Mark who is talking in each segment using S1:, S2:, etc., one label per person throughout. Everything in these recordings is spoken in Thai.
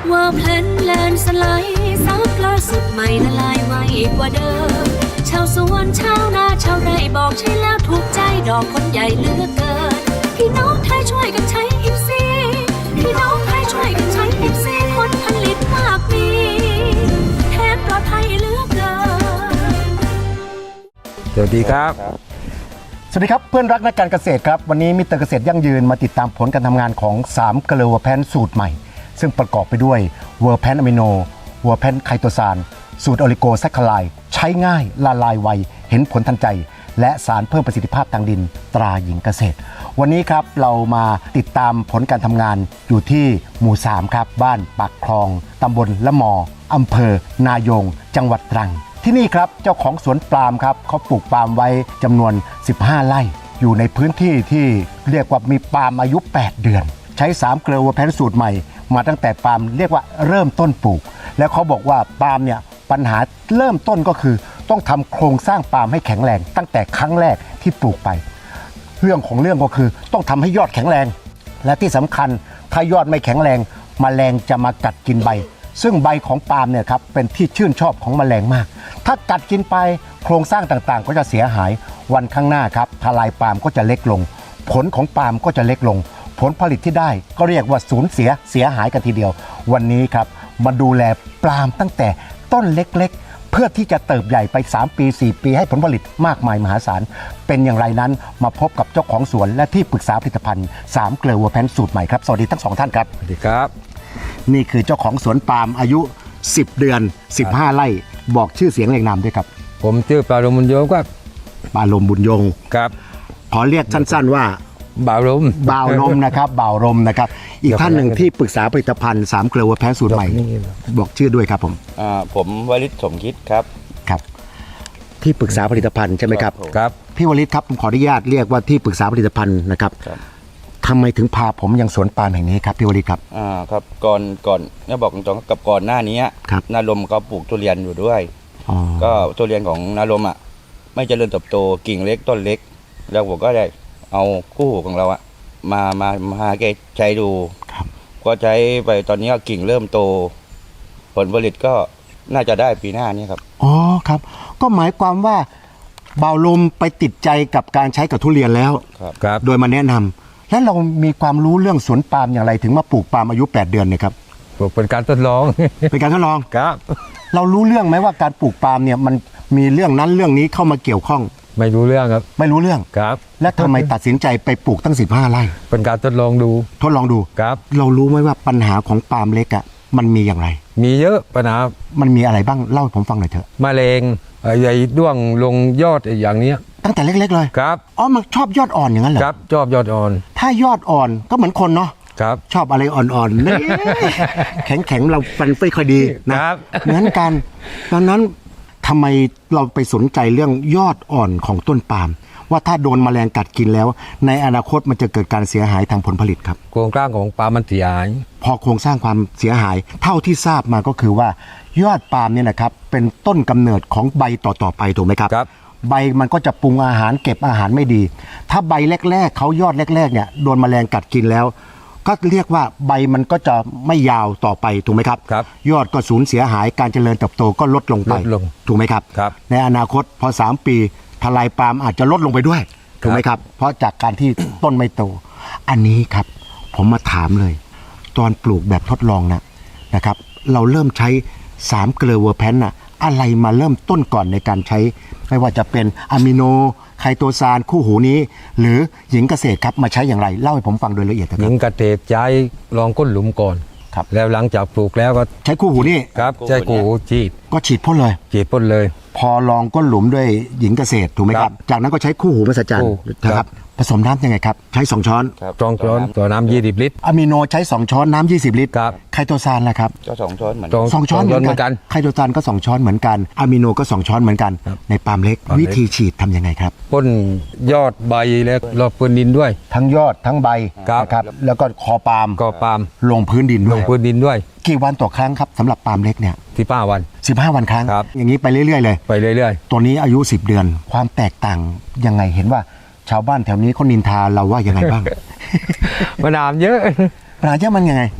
S1: ว่าแพลนแลนสไลด์ซับล่าสุดใหม่ละลายไวกว่าเดิมชาวสวนชาวนาชาวไร่บอกใช่แล้วถูกใจดอกคนใหญ่เหลือกเกินพี่น้องไทยช่วยกันใช้อิฟซีพี่น้องไทยช่วยกันใช้อิฟซีผลผลิตมากมีแทนปลอดภัยเหลือกเกิน
S2: สวัสดีครับ
S3: สวัสดีครับเพื่อนรักนักการเกษตรครับวันนี้มิสเตอร์เกษตรยั่งยืนมาติดตามผลการทำงานของ3เกลือเวอร์แพนสูตรใหม่ซึ่งประกอบไปด้วยเวอร์แพนอะมิโนเวอร์แพนไคโตซานสูตรโอลิโกแซคคาไลด์ใช้ง่ายละลายไวเห็นผลทันใจและสารเพิ่มประสิทธิภาพทางดินตราหญิงเกษตรวันนี้ครับเรามาติดตามผลการทำงานอยู่ที่หมู่3ครับบ้านปากคลองตำบลละมออำเภอนายงจังหวัดตรังที่นี่ครับเจ้าของสวนปาล์มครับเขาปลูกปาล์มไว้จำนวน15ไร่อยู่ในพื้นที่ที่เรียกว่ามีปาล์มอายุ8เดือนใช้3เกลือเวอร์แพนสูตรใหม่มาตั้งแต่ปาล์มเรียกว่าเริ่มต้นปลูกแล้วเขาบอกว่าปาล์มเนี่ยปัญหาเริ่มต้นก็คือต้องทำโครงสร้างปาล์มให้แข็งแรงตั้งแต่ครั้งแรกที่ปลูกไปเรื่องของเรื่องก็คือต้องทำให้ยอดแข็งแรงและที่สำคัญถ้ายอดไม่แข็งแรงแมลงจะมากัดกินใบซึ่งใบของปาล์มเนี่ยครับเป็นที่ชื่นชอบของแมลงมากถ้ากัดกินไปโครงสร้างต่างๆก็จะเสียหายวันข้างหน้าครับทลายปาล์มก็จะเล็กลงผลของปาล์มก็จะเล็กลงผลผลิตที่ได้ก็เรียกว่าสูญเสียหายกันทีเดียววันนี้ครับมาดูแลปาล์มตั้งแต่ต้นเล็กๆเพื่อที่จะเติบใหญ่ไป3ปี4ปีให้ผลผลิตมากมายมหาศาลเป็นอย่างไรนั้นมาพบกับเจ้าของสวนและที่ปรึกษาผลิตภัณฑ์3เกลือเวอร์แพนสูตรใหม่ครับสวัสดีทั้ง2ท่านครับ
S2: สวัสดีครับ
S3: นี่คือเจ้าของสวนปาล์มอายุ10เดือน15ไร่บอกชื่อเสียงเรียงนามด้วยครับ
S2: ผมชื่อปาลมบุญโยงครับ
S3: ปาลมบุญยง
S2: ครับ
S3: ขอเรียกสั้นๆว่า
S2: บ่าวลม
S3: นะครับบ่าวลมนะครับอีกท่านหนึ่งที่ปรึกษาผลิตภัณฑ์3เกลือเวอร์แพนสูตรใหม่บอกชื่อด้วยครับ
S4: ผมวริศสมคิดครับ
S3: ครับที่ปรึกษาผลิตภัณฑ์ใช่ไหมครับ
S2: ครับ
S3: พี่วริศครับผมขออนุญาตเรียกว่าที่ปรึกษาผลิตภัณฑ์นะครับทำไมถึงพาผมยังสวนปาล์มแห่งนี้ครับพี่วริศครับ
S4: ครับก่อนเนี่ยบอกตรงๆกับก่อนหน้านี้นาลมเขาปลูกทุเรียนอยู่ด้วยก็ทุเรียนของนาลมไม่เจริญเติบโตกิ่งเล็กต้นเล็กแล้วผมก็ได้เอาคู่หูของเรามาแกใช้ดูก็ใช้ไปตอนนี้กิ่งเริ่มโตผลผลิตก็น่าจะได้ปีหน้านี้ครับ
S3: อ๋อครับก็หมายความว่าบ่าวลมไปติดใจกับการใช้กับทุเรียนแล้ว
S2: ครับ
S3: โดยมาแนะนำแล้วเรามีความรู้เรื่องสวนปาล์มอย่างไรถึงมาปลูกปาล์มอายุ8เดือนเนี่ยครับ
S2: ปลูกเป็นการทดลอง
S3: เป็นการทดลอง
S2: ครับ
S3: เรารู้เรื่องไหมว่าการปลูกปาล์มเนี่ยมันมีเรื่องนั้นเรื่องนี้เข้ามาเกี่ยวข้อง
S2: ไม่รู้เรื่องครับ
S3: ไม่รู้เรื่อง
S2: ครับ
S3: และทำไมตัดสินใจไปปลูกตั้ง15ไร่
S2: เป็นการทดลองดู
S3: ครับเรารู้ไหมว่าปัญหาของปาล์มเล็กมันมีอย่างไร
S2: มีเยอะปัญหา
S3: มันมีอะไรบ้างเล่าให้ผมฟังหน่อยเถอะ
S2: มะเร็งใหญ่ด้วงลงยอดอย่างนี้
S3: ตั้งแต่เล็กๆเลย
S2: ครับ
S3: มันชอบยอดอ่อนอย่างนั้นเหรอ
S2: ครับชอบยอดอ่อน
S3: ถ้ายอดอ่อนก็เหมือนคนเนาะ
S2: ครับ
S3: ชอบอะไรอ่อนๆนี่ แข็งๆเราฟันไม่ค่อยดีนะครับเหมือนกันตอนนั้นทำไมเราไปสนใจเรื่องยอดอ่อนของต้นปาล์มว่าถ้าโดนแมลงกัดกินแล้วในอนาคตมันจะเกิดการเสียหายทางผลผลิตครับ
S2: โครงสร้างของปาล์มมันเสียหาย
S3: พอโครงสร้างความเสียหายเท่าที่ทราบมาก็คือว่ายอดปาล์มเนี่ยนะครับเป็นต้นกำเนิดของใบต่อๆไปถูกไหมครับใบมันก็จะปรุงอาหารเก็บอาหารไม่ดีถ้าใบแรกๆเขายอดแรกๆเนี่ยโดนแมลงกัดกินแล้วก็เรียกว่าใบมันก็จะไม่ยาวต่อไปถูกไหมครับยอดก็สูญเสียหายการเจริญเติบโตก็ลดลงไปถูกไหมครับในอนาคตพอ3ปีทลายปาล์มอาจจะลดลงไปด้วยถูกไหมครับเพราะจากการที่ต้นไม่โตอันนี้ครับผมมาถามเลยตอนปลูกแบบทดลองนะครับเราเริ่มใช้3เกลือเวอร์แพนอะไรมาเริ่มต้นก่อนในการใช้ไม่ว่าจะเป็นอะมิโนไคโตซานคู่หูนี้หรือหญิงเกษตรครับมาใช้อย่างไรเล่าให้ผมฟังโดยละเอียดครับ
S2: หญิงเกษตรใช้ลองก้นหลุมก่อน
S3: ครับ
S2: แล้วหลังจากปลูกแล้วก็
S3: ใช้คู่หูนี่
S2: ครับใช้คู่หู
S3: ฉีดพ่นเลยพอลองก้นหลุมด้วยหญิงเกษตรถูกไหมครับจากนั้นก็ใช้คู่หูมหัศจรรย์นะครับผสมน้ำยังไงครับใช้2ช้อน
S2: 2ช้อนต่อน้ำ20ลิตร
S3: อะมิโนใช้2ช้อนน้ำ20ลิตรไคโตซานล่ะครับ
S4: ก็2ช้อนเหมือน
S3: 2ช้อนเหมือนกันไคโตซานก็2ช้อนเหมือนกันอะมิโนก็2ช้อนเหมือนกันในปาล์มเล็กวิธีฉีดทำยังไงครับ
S2: พ่นยอดใบและรอบพื้นดินด้วย
S3: ทั้งยอดทั้งใบนะครับแล้วก็คอปาล์มลงพื้นดินด้วยกี่วันต่อครั้งครับสำหรับปาล์มเล็กเนี่ย
S2: 15วัน
S3: ครั้งอย่างนี้ไปเรื่อยๆเลยตัวนี้อายุ10เดือนความแตกต่างยังไงเห็นว่าชาวบ้านแถวนี้เขานินทาเราว่ายังไงบ้าง
S2: ปัญหาเยอะ
S3: มันยังไง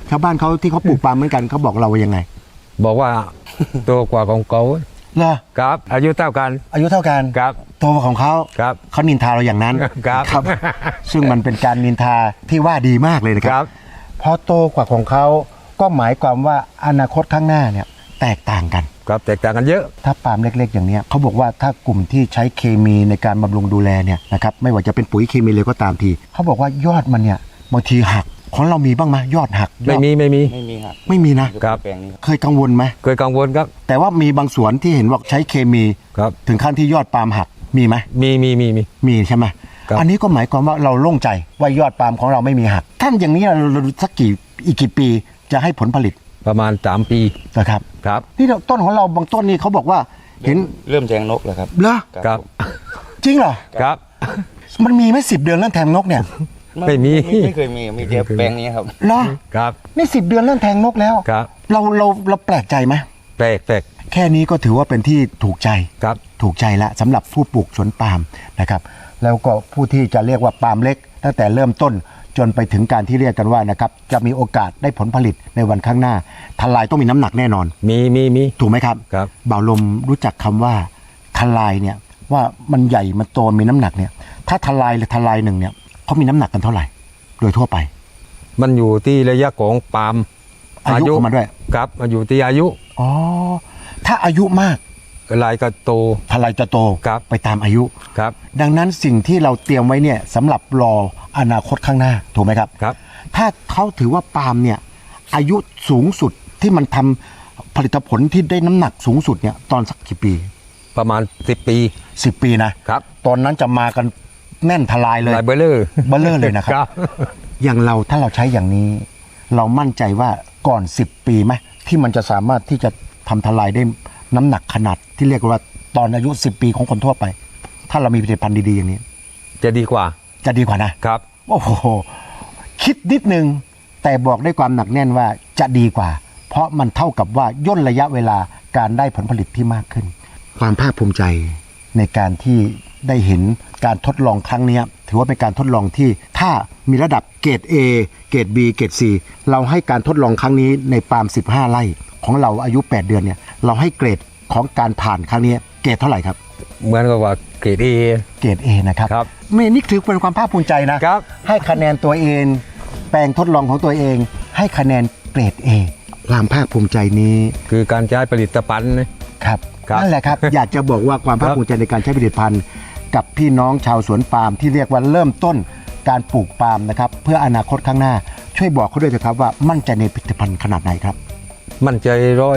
S3: ชาวบ้านเขาที่เขาปลูกปาล์มเหมือนกันเขาบอกเราว่ายังไง
S2: บอกว่า ตัวกว่าของเขา
S3: เหรอ
S2: ครับ อายุเท่ากัน
S3: อายุเท่ากัน
S2: ครับ
S3: ตัวของเขา
S2: ครับ
S3: เขานินทาเราอย่างนั้น
S2: ครับ
S3: ซึ่งมันเป็นการนินทาที่ว่าดีมากเลยนะค
S2: ครั
S3: รับบ พอโตกว่าของเขาก็หมายความว่าอนาคตข้างหน้าเนี่ยแตกต่างกัน
S2: ครับแตกต่างกันเยอะ
S3: ถ้าปาล์มเล็กๆอย่างเนี้ยเขาบอกว่าถ้ากลุ่มที่ใช้เคมีในการบำรุงดูแลเนี่ยนะครับไม่ว่าจะเป็นปุ๋ยเคมีเลยก็ตามทีเขาบอกว่ายอดมันเนี่ยบางทีหักของเรามีบ้างไหมยอดหัก
S2: ไม่มี
S4: ไม่มีครับ
S3: ไม่มีนะ
S2: ครับ
S4: แปลงนี้ครับ
S3: เคยกังวลไหม
S2: เคยกังวลครับ
S3: แต่ว่ามีบางสวนที่เห็นว่าใช้เคมี
S2: ครับ
S3: ถึงขั้นที่ยอดปาล์มหักมีไหม
S2: มี
S3: มีใช่ไหม
S2: ครับ
S3: อันนี้ก็หมายความว่าเราโล่งใจว่ายอดปาล์มของเราไม่มีหักท่านอย่างนี้เราสักอีกกี่ปีจะให้ผลผลิต
S2: ประมาณ3 ปี
S3: นะครับ
S2: ครับ
S3: นี่ต้นของเราบางต้นนี่เขาบอกว่าเห็น
S4: เริ่มแทงนกแล้วครับ
S3: เหรอ
S2: ครับ
S3: จริงเหรอ
S2: ครับ
S3: มันมีไหม10 เดือนเรื่องแทงนกเนี่ย
S2: ไม่มี
S4: ไม่เคยมีแต่แปลงนี้ครับ
S3: เหรอ
S2: ครับ
S3: นี่10 เดือนเรื่องแทงนกแล้ว
S2: ครับ
S3: เราแปลกใจไหม
S2: แปลก
S3: แค่นี้ก็ถือว่าเป็นที่ถูกใจ
S2: ครับ
S3: ถูกใจละสำหรับผู้ปลูกสวนปาล์มนะครับแล้วก็ผู้ที่จะเรียกว่าปาล์มเล็ก ตั้งแต่เริ่มต้นจนไปถึงการที่เรียกกันว่านะครับจะมีโอกาสได้ผลผลิตในวันข้างหน้าทลายต้องมีน้ำหนักแน่นอน
S2: มี
S3: ถูกไหมครับ
S2: ครับ
S3: บ่าวลมรู้จักคำว่าทลายเนี่ยว่ามันใหญ่มันโตมีน้ำหนักเนี่ยถ้าทลายหรือทลายหนึ่งเนี่ยเขามีน้ำหนักกันเท่าไหร่ โดยทั่วไป
S2: มันอยู่ที่ระยะของปาล์ม
S3: อายุของมันด้วย
S2: ครับมันอยู่ที่อายุ
S3: อ๋อถ้าอายุมาก
S2: ลายก็โต
S3: ทลายจะโต
S2: ครับ
S3: ไปตามอายุ
S2: ครับ
S3: ดังนั้นสิ่งที่เราเตรียมไว้เนี่ยสำหรับรออนาคตข้างหน้าถูกไหมครับ
S2: ครับ
S3: ถ้าเขาถือว่าปาล์มเนี่ยอายุสูงสุดที่มันทำผลิตผลที่ได้น้ำหนักสูงสุดเนี่ยตอนสักกี่ปี
S2: ประมาณ10 ปี
S3: 10 ปีนะครับ ตอนนั้นจะมากันแน่นทลายเลย
S2: ลายเบลเลอร์
S3: เบลเลอร์เลยนะครับ
S2: ครับ
S3: อย่างเราถ้าเราใช้อย่างนี้ เรามั่นใจว่าก่อน10 ปีไหมที่มันจะสามารถที่จะทำทลายได้น้ำหนักขนาดที่เรียกว่าตอนอายุ10 ปีของคนทั่วไป ถ้าเรามีผลิตภัณฑ์ดีๆอย่างนี้
S2: จะดีกว่า
S3: จะดีกว่านะครับ โอ้โหคิดนิดนึงแต่บอกด้วยความหนักแน่นว่าจะดีกว่า เพราะมันเท่ากับว่าย่นระยะเวลาการได้ผลผลิตที่มากขึ้น ความภาคภูมิใจในการที่ได้เห็นการทดลองครั้งนี้ถือว่าเป็นการทดลองที่ถ้ามีระดับเกรด A เกรด B เกรด C เราให้การทดลองครั้งนี้ในปาล์ม15 ไร่ของเราอายุ 8 เดือนเนี่ยเราให้เกรดของการผ่านครั้งนี้เกรดเท่าไหร่ครับ
S2: เหมือนกับว่าเกรด A
S3: เกรด A นะครับ
S2: ครับ
S3: ไม่นี่ถือเป็นความภาคภูมิใจนะครับ ให้คะแนนตัวเองแปลงทดลองของตัวเอง ให้คะแนนเกรด A ความภาคภูมิใจนี้
S2: คือการใช้ผลิตภัณฑ์นะครับ
S3: นั่นแหละครับ อยากจะบอกว่าความภาคภูมิใจในการใช้ผลิตภัณฑ์ กับพี่น้องชาวสวนปาล์มที่เรียกว่าเริ่มต้นการปลูกปาล์มนะครับเพื่ออนาคตข้างหน้าช่วยบอกเขาด้วยนะครับว่ามั่นใจในผลิตภัณฑ์ขนาดไหนครับ
S2: มั่นใจ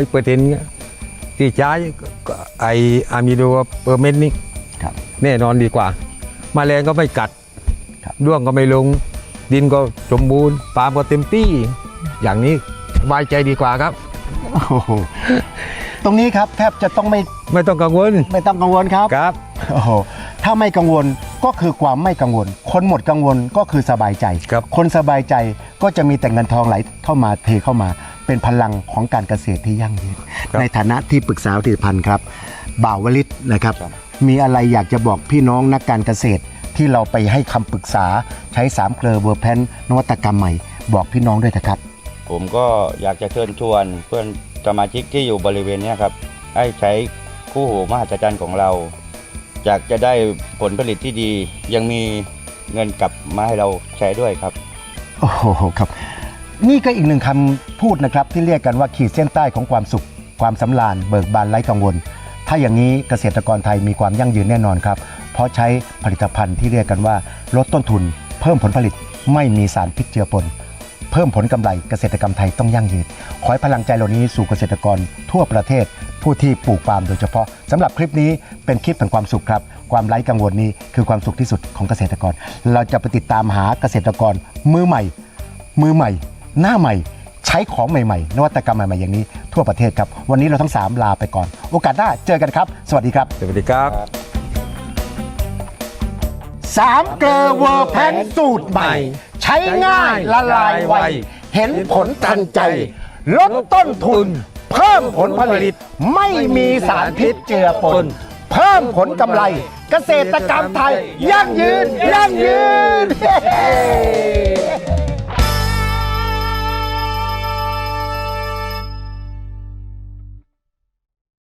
S2: 100%ที่ใช้ก็ไออะมิโดเปอร์เมนต์นี่
S3: ครับ
S2: แน่นอนดีกว่าแมลงก็ไม่กัด
S3: ครับ
S2: ร่วงก็ไม่ลง ดินก็สมบูรณ์ปาล์มก็เต็มที่ อย่างนี้สบายใจดีกว่าครับ
S3: โอ้โหตรงนี้ครับแทบจะต้องไม่
S2: ไม่ต้องกังวล
S3: ต้องกังวลครับ
S2: ครับ
S3: โอ้โหถ้าไม่กังวลก็คือความไม่กังวล คนหมดกังวลก็คือสบายใจ
S2: ครับ
S3: คนสบายใจก็จะมีแต่เงินทองไหลเข้ามาเทเข้ามา เป็นพลังของการเกษตรที่ยั่งยืนในฐานะที่ปรึกษาผลิตภัณฑ์ครับบ่าววลิตนะครับ มีอะไรอยากจะบอกพี่น้องนักการเกษตรที่เราไปให้คำปรึกษาใช้3 เกลอเวอร์แพนนวัตกรรมใหม่บอกพี่น้องด้วยนะครับ
S4: ผมก็อยากจะเชิญชวนเพื่อนสมาชิกที่อยู่บริเวณเนี้ยครับให้ใช้คู่หูมหัศจรรย์ของเราอยากจะได้ผลผลิตที่ดี ยังมีเงินกลับมาให้เราใช้ด้วยครับ
S3: โอ้โหครับนี่ก็อีกหนึ่งคำพูดนะครับที่เรียกกันว่าขีดเส้นใต้ของความสุขความสำราญเบิกบานไร้กังวล ถ้าอย่างนี้เกษตรกรไทยมีความยั่งยืนแน่นอนครับเพราะใช้ผลิตภัณฑ์ที่เรียกกันว่าลดต้นทุนเพิ่มผลผลิตไม่มีสารพิษเจือปนเพิ่มผลกำไรเกษตรกรรมไทยต้องยั่งยืนขอให้พลังใจเหล่านี้สู่เกษตรกรทั่วประเทศผู้ที่ปลูกปาล์มโดยเฉพาะสำหรับคลิปนี้เป็นคลิปแห่งความสุขครับความไร้กังวลนี้คือความสุขที่สุดของเกษตรกรเราจะไปติดตามหาเกษตรกรมือใหม่ หน้าใหม่ใช้ของใหม่ๆนวัตกรรมใหม่ๆอย่างนี้ทั่วประเทศครับวันนี้เราทั้ง3ลาไปก่อนโอกาสหน้าเจอกันครับสวัสดีครับ
S2: สวัสดีครับ
S3: 3 เกลอเวอร์แพนสูตรใหม่ ใช้ง่ายละลายไวเห็นผลทันใจ ลดต้นทุน เพิ่มผลผลิตไม่มีสารพิษเจือปนเพิ่มผลกำไร เกษตรกรรมไทยยั่งยืน